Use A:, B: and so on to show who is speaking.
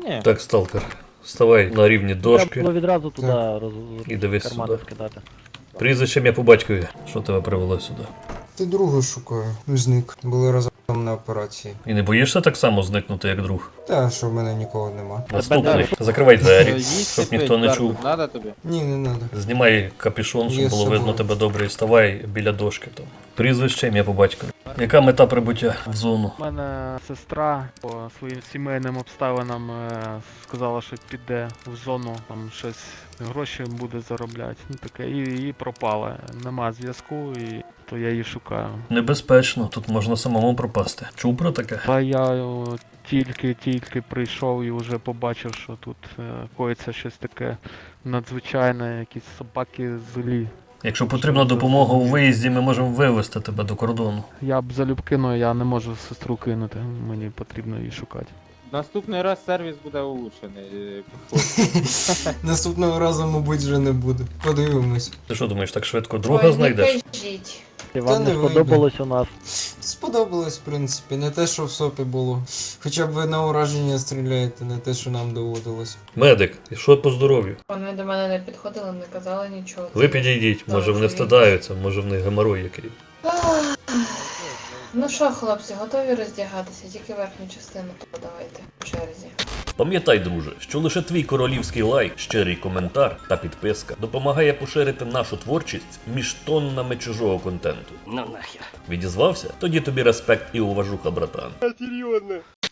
A: Ні.
B: Так, сталкер, вставай на рівні
C: Треба
B: дошки
C: було відразу туди
B: і дивись
C: кармани
B: сюди.
C: скидати.
B: Прізвище ім'я по батькові. Що тебе привело сюди?
D: Ти друга шукаю. Зник. Були разом на операції.
B: І не боїшся так само зникнути, як друг?
D: Та, що в мене нікого нема.
B: Наступний. Закривай двері,
A: Їсть
B: щоб
A: пить,
B: ніхто не
A: Беркут,
B: чув.
A: Надо тобі?
D: Ні, не надо.
B: Знімай капюшон, щоб
D: Є
B: було
D: з
B: видно
D: собою.
B: тебе добре, і ставай біля дошки там. Прізвище ім'я по батькові. Яка мета прибуття в зону?
C: У мене сестра по своїм сімейним обставинам сказала, що піде в зону, там щось гроші буде заробляти. Ну таке, і пропала. Нема зв'язку, і то я її шукаю.
B: Небезпечно, тут можна самому пропасти. Чув про таке?
C: Та я тільки прийшов і вже побачив, що тут коїться щось таке надзвичайне, якісь собаки злі.
B: Якщо потрібна допомога у виїзді, ми можемо вивезти тебе до кордону.
C: Я б залюбки, але я не можу сестру кинути, мені потрібно її шукати.
A: Наступний раз сервіс буде улучшений.
D: Наступного разу, мабуть, вже не буде. Подивимось.
B: Ти що думаєш, так швидко друга знайдеш?
E: кажіть.
C: І вам
D: не
C: не
D: вийде.
C: сподобалось у нас?
D: Сподобалось, в принципі, не те, що в СОПі було. Хоча б ви на ураження стріляєте, не те, що нам доводилось.
B: Медик, і що по здоров'ю?
E: Вони до мене не підходили, не казали нічого.
B: Ви підійдіть, може вони встидаються, може в них геморой який.
E: Ах. Ну що, хлопці, готові роздягатися? Тільки верхню частину, то давайте по черзі.
B: Пам'ятай, друже, що лише твій королівський лайк, щирий коментар та підписка допомагає поширити нашу творчість між тоннами чужого контенту. Ну нахер. Відізвався? Тоді тобі респект і уважуха, братан.